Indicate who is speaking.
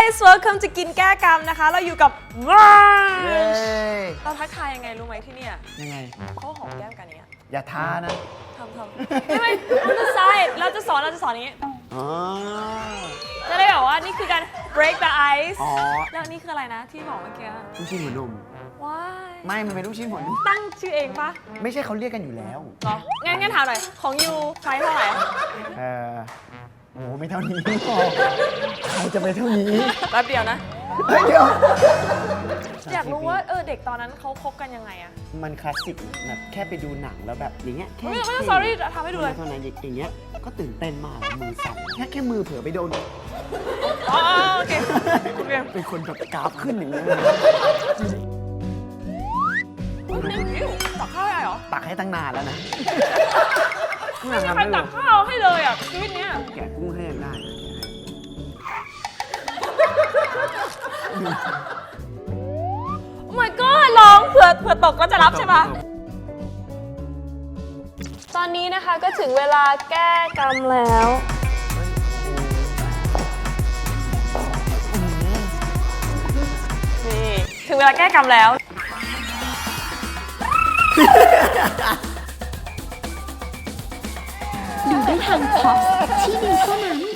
Speaker 1: guys welcome จะกินแก้กรรมนะคะเราอยู่กับว้าเราทักทายยังไงรู้ไหมที่เนี่ย
Speaker 2: ยังไง
Speaker 1: เขาหอมแก้มกันเนี้ย
Speaker 2: อย่าท้านะ
Speaker 1: ทำไม่เราจะใช่เราจะสอนอย่างนี้จะได้แบบว่านี่คือการ break the ice แล้วนี่คืออะไรนะที่บอกเมื่อกี้
Speaker 2: ลูกชิ้นหัวนม
Speaker 1: ว้า
Speaker 2: ไม่มันเป็นลูกชิ้นหัวนม
Speaker 1: ตั้งชื่อเองปะ
Speaker 2: ไม่ใช่เขาเรียกกันอยู่แล้ว
Speaker 1: เหรองั้นถามหน่อยของยูใช้เท่าไหร่
Speaker 2: โอ้ไม่เท่านี้ใครจะไปเท่านี้
Speaker 1: แป๊บเดียวนะ
Speaker 2: เดี๋ยว
Speaker 1: อยากรู้ว่าเด็กตอนนั้นเขาคบกันยังไงอะ
Speaker 2: มันคลาสสิกแบบแค่ไปดูหนังแล้วแบบอย่างเงี้ยแค่
Speaker 1: ไม่ต้อง sorry ทำให้ดูเลย
Speaker 2: ตอนนั้นอย่างเงี้ยก็ตื่นเต้นมากมือสั่นแค่มือเผลอไปโดน
Speaker 1: โอเค
Speaker 2: เป็นคนแบบกราฟขึ้นอย่างเงี้ย
Speaker 1: ตักข้าวให้เหรอ
Speaker 2: ตักให้ตั้งนานแล้วนะ
Speaker 1: ไม่มีใครตักข้าวให้เลยอ่ะชีวิตเนี้ย
Speaker 2: แกะกุ้งให้ยังได้
Speaker 1: โอ้ my god ร้องเผื่อตกก็จะรับใช่ปะตอนนี้นะคะก็ถึงเวลาแก้กรรมแล้วนี่ถึงเวลาแก้กรรมแล้ว
Speaker 3: ดูได้ทางพอสที่เดียวเท่านั้น